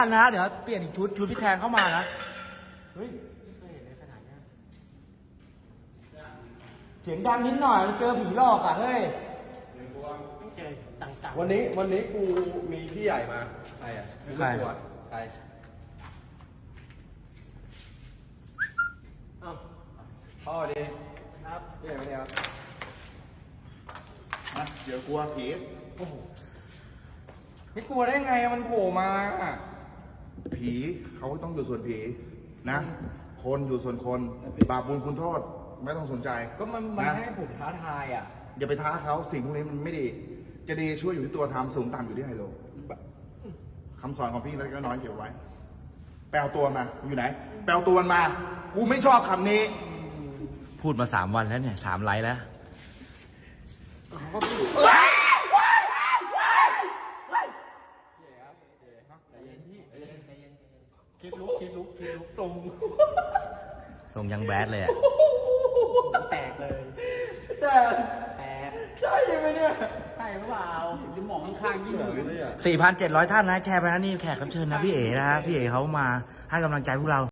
นะเดี๋ยวเปลี่ยนอีกชุดพี่แทนเข้ามานะเฮ้ยไม่เห็นในขนาดนี้เสียงดังนิดหน่อยเจอผีหลอกอ่ะเฮ้ยไม่เจอต่างๆวันนี้กูมีพี่ใหญ่มาใครอ่ะไม่รู้ตัวใครพ่อดีครับพี่ใหญ่มาเนี่ยครับนะเดี๋ยวกลัวผีโอ้โหไม่กลัวได้ไงมันโผล่มาผีเขาต้องอยู่ส่วนผีนะคนอยู่ส่วนคนบาปบุญคุณโทษไม่ต้องสนใจก็มันให้ผมท้าทายอ่ะอย่าไปท้าเขาสิ่งพวกนี้มันไม่ดีจะดีช่วยอยู่ที่ตัวทำสูงต่ำอยู่ที่ไฮโลคำสอนของพี่แล้วก็น้อยเก็บไว้แปลตัวมาอยู่ไหนแปลตัวมันมากูไม่ชอบคำนี้พูดมา3 วันแล้วเนี่ย3 ไลฟ์แล้วเขาก็พูดคิดลุกทรงยังแบดเลยอ่ะแตกเลยแตกใช่ไหมเนี่ยใช่หรือเปล่าจะมองข้างๆยิ่งเลย 4,700 ท่านนะแชร์ไปนะนี่แขกรับเชิญนะพี่เอ๋นะฮะพี่เอ๋เขามาให้กำลังใจพวกเรา